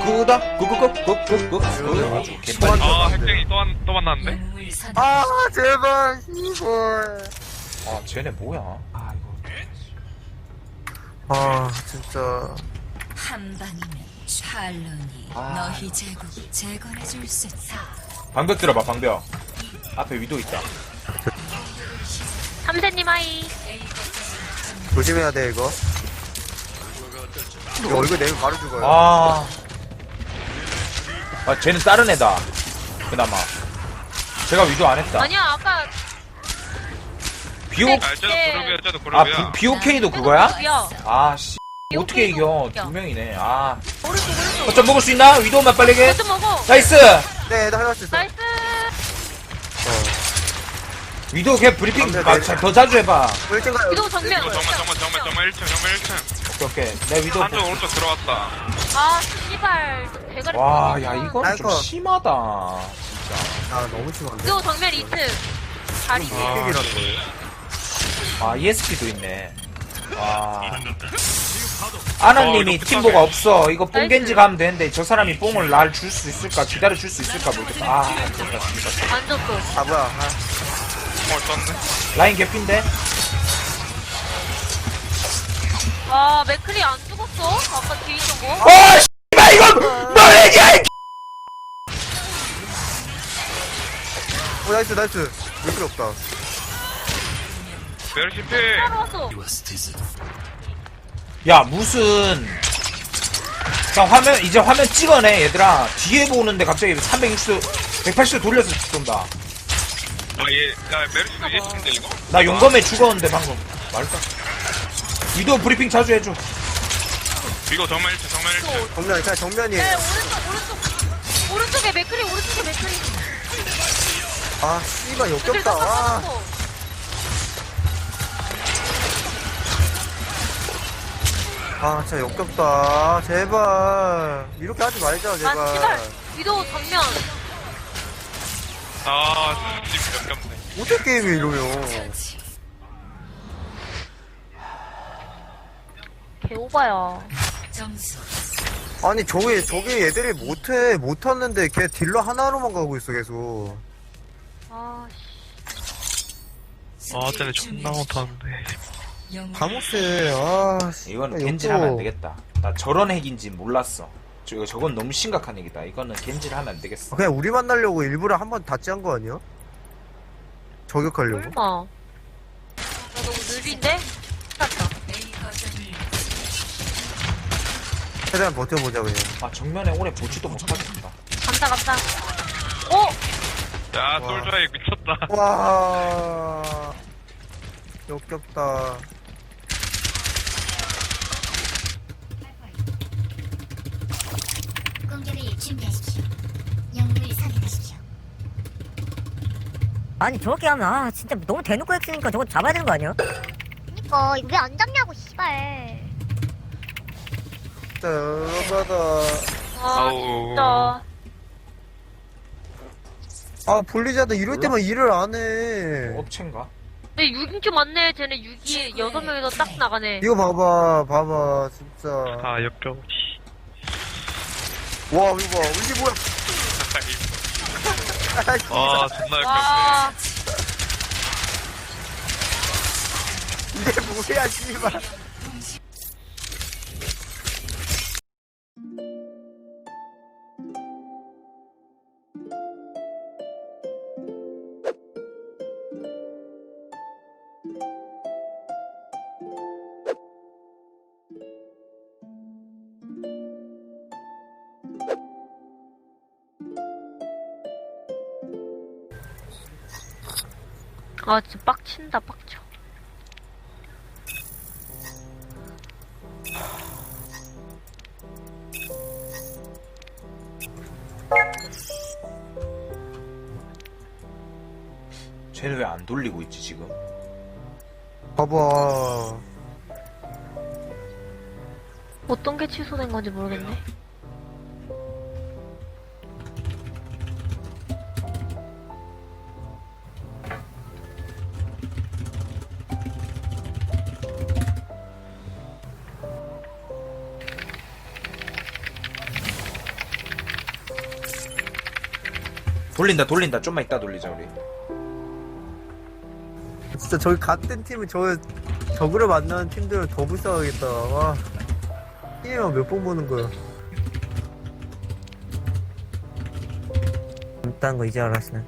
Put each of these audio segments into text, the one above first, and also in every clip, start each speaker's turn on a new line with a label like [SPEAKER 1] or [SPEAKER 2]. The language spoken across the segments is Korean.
[SPEAKER 1] 구다 구구구구구구 아주 개빨리.
[SPEAKER 2] 아, 핵쟁이 또 만났는데?
[SPEAKER 3] 아 제발 이걸.
[SPEAKER 1] 아 쟤네 뭐야? 아 이거
[SPEAKER 3] 아 진짜.
[SPEAKER 4] 한 방이면 샬론이
[SPEAKER 1] 아,
[SPEAKER 4] 너희 제국 재건해줄 수 있다.
[SPEAKER 1] 방벽 들어봐 방벽. 앞에 위도 있다.
[SPEAKER 5] 삼세님 하이.
[SPEAKER 3] 조심해야 돼 이거. 이거 얼굴 내면 바로 죽어요.
[SPEAKER 1] 아 쟤는 다른 애다. 그나마 제가 위도 안 했다.
[SPEAKER 5] 아니야 아까
[SPEAKER 1] 비오
[SPEAKER 5] 네.
[SPEAKER 2] 아, 쟤도 그룹이야, 쟤도
[SPEAKER 1] 아
[SPEAKER 2] 그룹이야.
[SPEAKER 1] BOK도 그거야?
[SPEAKER 5] 야
[SPEAKER 1] 아씨 어떻게 이겨?
[SPEAKER 5] 야.
[SPEAKER 1] 두 명이네. 아
[SPEAKER 5] 오른쪽 오른쪽.
[SPEAKER 1] 거점 먹을 수 있나? 위도만 빠르게.
[SPEAKER 5] 거점 먹어.
[SPEAKER 1] 나이스.
[SPEAKER 3] 네, 나 할 수 있어.
[SPEAKER 5] 나이스.
[SPEAKER 1] 위도 걔 브리핑
[SPEAKER 3] 네,
[SPEAKER 1] 더 자주 해봐.
[SPEAKER 3] 1등 가요.
[SPEAKER 5] 위도 정면.
[SPEAKER 2] 이거 정말 1층, 정말 1층.
[SPEAKER 1] 오케이. 내 위도.
[SPEAKER 2] 한쪽 오른쪽 들어왔다.
[SPEAKER 5] 아 씨발 대가리.
[SPEAKER 1] 와, 야 이거는 좀
[SPEAKER 3] 아이고.
[SPEAKER 1] 심하다. 진짜.
[SPEAKER 3] 아 너무 심한데.
[SPEAKER 5] 위도 정면 2층. 다리 뒤에.
[SPEAKER 2] 아,
[SPEAKER 3] 픽이라는 거예요.
[SPEAKER 1] 아 ESP도 있네. 와. 아나님이
[SPEAKER 2] 이거
[SPEAKER 1] 팀보가 없어. 이거 뽕겐지
[SPEAKER 5] 나이스.
[SPEAKER 1] 가면 되는데 저 사람이 뽕을 날 줄 수 있을까? 기다려 줄 수 있을까 모르겠다. 아, 진짜 진짜.
[SPEAKER 5] 완전 또.
[SPEAKER 3] 아 뭐야. 아,
[SPEAKER 2] 떴네.
[SPEAKER 1] 라인 개핀데.
[SPEAKER 5] 아 맥클이 안 죽었어? 아까 뒤에 있던 거?
[SPEAKER 1] 어, 씨발 이거 뭐야 이
[SPEAKER 3] 오 나이스 나이스. 왜 필요 없다.
[SPEAKER 2] 메르시 피.
[SPEAKER 5] 따로 왔어.
[SPEAKER 1] 야 무슨 자 화면 이제 화면 찍어내 얘들아. 뒤에 보는데 갑자기 360도 180도 돌려서 쏜다.
[SPEAKER 2] 아, 야, 메르시도 예신데, 이거?
[SPEAKER 1] 나 용검에 죽었는데 방금 말까? 위도 브리핑 자주 해줘.
[SPEAKER 2] 이거 정말 1층, 정말 1층.
[SPEAKER 3] 정면 그냥 정면이에요.
[SPEAKER 5] 네 오른쪽. 오른쪽에 맥클이 오른쪽에 맥클이.
[SPEAKER 3] 아 씨발
[SPEAKER 5] 맥클
[SPEAKER 3] 역겹다. 아,
[SPEAKER 5] 떴어.
[SPEAKER 3] 아 진짜 역겹다. 제발 이렇게 하지 말자
[SPEAKER 5] 아
[SPEAKER 3] 제발.
[SPEAKER 5] 씨발. 위도 정면.
[SPEAKER 2] 아, 지금 역겹네.
[SPEAKER 3] 어떻게 게임이 이러요?
[SPEAKER 5] 개오바야.
[SPEAKER 4] 점수
[SPEAKER 3] 아니 저게 얘들이 못하는데 걔 딜러 하나로만 가고 있어 계속.
[SPEAKER 5] 아 씨.
[SPEAKER 2] 아, 쟤네 존나 못하는데.
[SPEAKER 3] 감옥세. 아 씨.
[SPEAKER 1] 이거는
[SPEAKER 3] 역겨워.
[SPEAKER 1] 겐지를 하면 안 되겠다. 나 저런 핵인지 몰랐어. 저건 너무 심각한 얘기다. 이거는 겐지를 하면 안 되겠어.
[SPEAKER 3] 그냥 우리 만나려고 일부러 한 번 다찌 한 거 아니야? 저격하려고.
[SPEAKER 5] 설마. 나 너무 느린데? 탔다.
[SPEAKER 3] 최대한 버텨보자 그냥.
[SPEAKER 1] 아 정면에 오래 보지도 못하겠다.
[SPEAKER 5] 감사. 오!
[SPEAKER 2] 야, 솔저에 미쳤다.
[SPEAKER 3] 와 역겹다.
[SPEAKER 6] 공격을 준비하십시오. 영웅을 선택하십시오.
[SPEAKER 7] 아니 저렇게 하면 아 진짜 너무 대놓고 했으니까 저거 잡아야 되는 거 아니야?
[SPEAKER 6] 그니까 이거 왜 안 잡냐고 씨발.
[SPEAKER 3] 진짜 열받아.
[SPEAKER 5] 아
[SPEAKER 2] 아우.
[SPEAKER 5] 진짜.
[SPEAKER 3] 아 블리자드 이럴 때만 일을 안 해.
[SPEAKER 1] 업체인가?
[SPEAKER 5] 근데 6인큐 맞네. 쟤네 6이 6명에서 딱 나가네.
[SPEAKER 3] 이거 봐봐 진짜.
[SPEAKER 2] 아, 역겨워.
[SPEAKER 3] 와 이거 봐 이게 뭐야?
[SPEAKER 2] 아, 존나 역겹네.
[SPEAKER 5] 와.
[SPEAKER 3] 이게 뭐야 씨발.
[SPEAKER 5] 아 진짜 빡친다 빡쳐.
[SPEAKER 1] 쟤는 왜 안 돌리고 있지 지금?
[SPEAKER 3] 봐봐.
[SPEAKER 5] 어떤 게 취소된 건지 모르겠네.
[SPEAKER 1] 돌린다. 좀만 이따 돌리자 우리.
[SPEAKER 3] 진짜 저기 같은 팀은 적으로 만나는 팀들은 더 불쌍하겠다. 와. 게임만 몇 번 보는 거야.
[SPEAKER 7] 일단 거 이제 알았으네.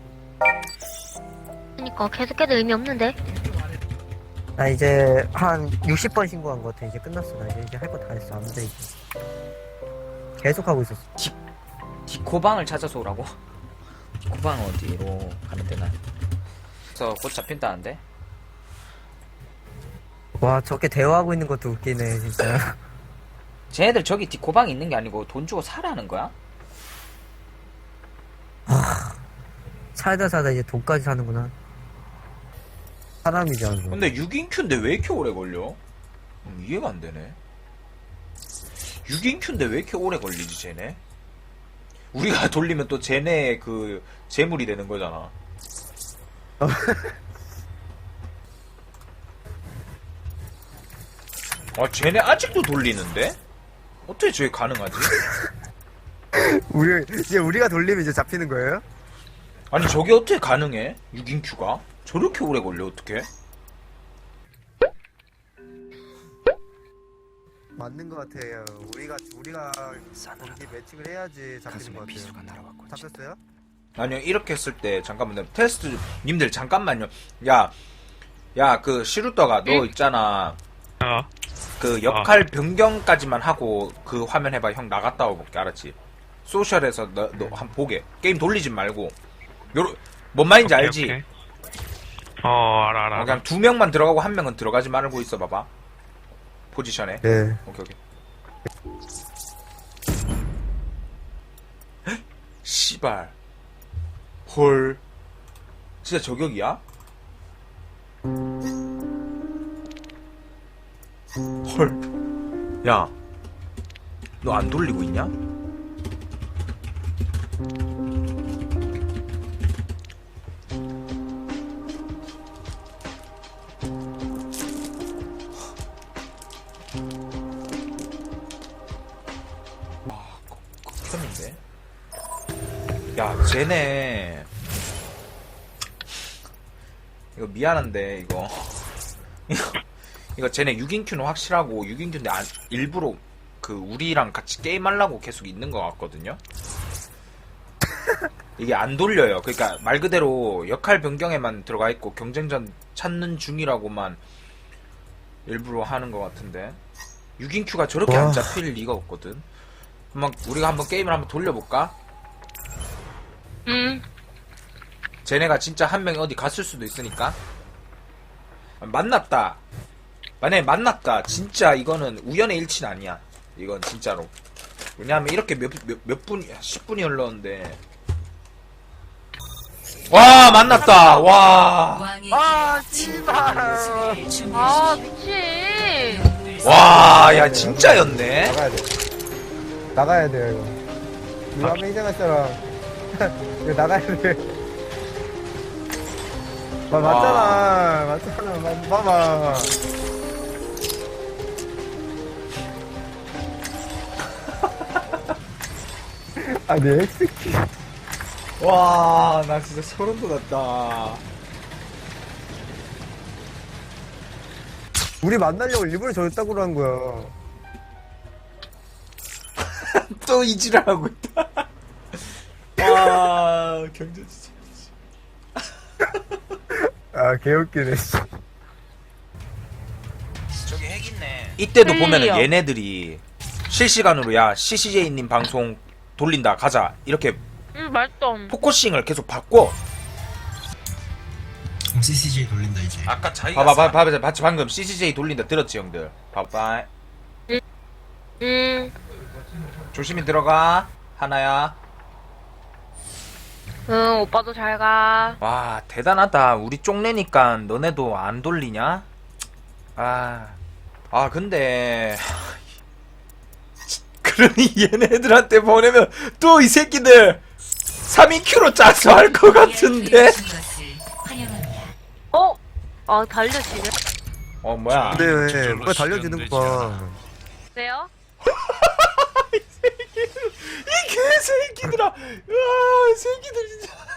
[SPEAKER 6] 그니까 계속해도 의미 없는데.
[SPEAKER 7] 나 이제 한 60번 신고한 거 같아. 이제 끝났어. 나 이제 할 거 다 했어. 안 돼, 이제. 계속 하고 있었어.
[SPEAKER 1] 디코방을 찾아서 오라고? 디코방 어디로 가면 되나? 그래서 곧 잡힌다는데?
[SPEAKER 7] 와, 저렇게 대화하고 있는 것도 웃기네, 진짜.
[SPEAKER 1] 쟤네들 저기 디코방이 있는 게 아니고 돈 주고 사라는 거야?
[SPEAKER 7] 살다 이제 돈까지 사는구나. 사람이지, 아주.
[SPEAKER 1] 근데 6인 큐인데 왜 이렇게 오래 걸려? 이해가 안 되네. 6인 큐인데 왜 이렇게 오래 걸리지, 쟤네? 우리가 돌리면 또 쟤네 그 재물이 되는 거잖아. 아, 쟤네 아직도 돌리는데? 어떻게 저게 가능하지?
[SPEAKER 3] 이제 우리가 돌리면 이제 잡히는 거예요?
[SPEAKER 1] 아니, 저게 어떻게 가능해? 6인 큐가? 저렇게 오래 걸려, 어떻게?
[SPEAKER 3] 맞는 것 같아요. 우리가 경기 매칭을 해야지 잡히는 것 같아요. 잡혔어요?
[SPEAKER 1] 아니요, 이렇게 했을 때, 잠깐만요. 테스트, 님들, 잠깐만요. 그, 시루터가 너 있잖아. 그, 역할 변경까지만 하고, 그 화면 해봐. 형 나갔다 와볼게, 알았지? 소셜에서 너 한 보게. 게임 돌리지 말고. 뭔 말인지
[SPEAKER 2] 오케이,
[SPEAKER 1] 알지?
[SPEAKER 2] 오케이. 알아.
[SPEAKER 1] 그냥 2명만 들어가고 1명은 들어가지 말고 있어 봐봐. 포지션에.
[SPEAKER 3] 네.
[SPEAKER 1] 오케이. 헉? 씨발. 헐. 진짜 저격이야? 헐. 야. 너 안 돌리고 있냐? 켰는데? 야, 쟤네. 이거 미안한데, 이거. 이거 쟤네 6인큐는 확실하고, 6인큐인데 일부러 우리랑 같이 게임하려고 계속 있는 것 같거든요? 이게 안 돌려요. 그러니까 말 그대로 역할 변경에만 들어가 있고, 경쟁전 찾는 중이라고만 일부러 하는 것 같은데. 6인큐가 저렇게 안 잡힐 리가 없거든. 우리가 한번 게임을 한번 돌려볼까? 쟤네가 진짜 한 명이 어디 갔을 수도 있으니까. 만났다. 만약에 만났다. 진짜 이거는 우연의 일치는 아니야. 이건 진짜로. 왜냐하면 이렇게 몇 분, 10분이 흘렀는데. 와, 만났다. 와.
[SPEAKER 4] 왕의
[SPEAKER 3] 씨발.
[SPEAKER 5] 아, 미친.
[SPEAKER 1] 와, 야, 진짜였네.
[SPEAKER 3] 나가야 돼요, 이거. 이거 한번 희생할 사람. 이거 나가야 돼. 맞잖아. 봐봐. 아니, 엑스키.
[SPEAKER 1] 와, 나 진짜 소름 돋았다.
[SPEAKER 3] 우리 만나려고 일부러 저랬다고 한 거야.
[SPEAKER 1] 또 이지랄하고 있다. 와, 경제 진짜.
[SPEAKER 3] 아, 개웃기네, 씨.
[SPEAKER 1] 저기 핵 있네. 이때도
[SPEAKER 5] 헬리요.
[SPEAKER 1] 보면은 얘네들이 실시간으로 야, CCJ님 방송 돌린다, 가자. 이렇게
[SPEAKER 5] 맛있어.
[SPEAKER 1] 포커싱을 계속 바꿔.
[SPEAKER 8] CCJ 돌린다 이제.
[SPEAKER 1] 아까 자기가 봐봐, 방금 CCJ 돌린다 들었지, 형들? 봐봐. 조심히 들어가, 하나야.
[SPEAKER 5] 응, 오빠도 잘 가.
[SPEAKER 1] 와, 대단하다. 우리 쪽내니까 너네도 안 돌리냐? 근데 그러니 얘네들한테 보내면 또 이 새끼들 3인큐로 짜서 할 것 같은데?
[SPEAKER 5] 달려지네.
[SPEAKER 1] 뭐야.
[SPEAKER 3] 근데 왜,
[SPEAKER 2] 저절로
[SPEAKER 3] 왜 달려지는 거 봐.
[SPEAKER 5] 네요?
[SPEAKER 1] 이 개새끼들아. 새끼들 진짜.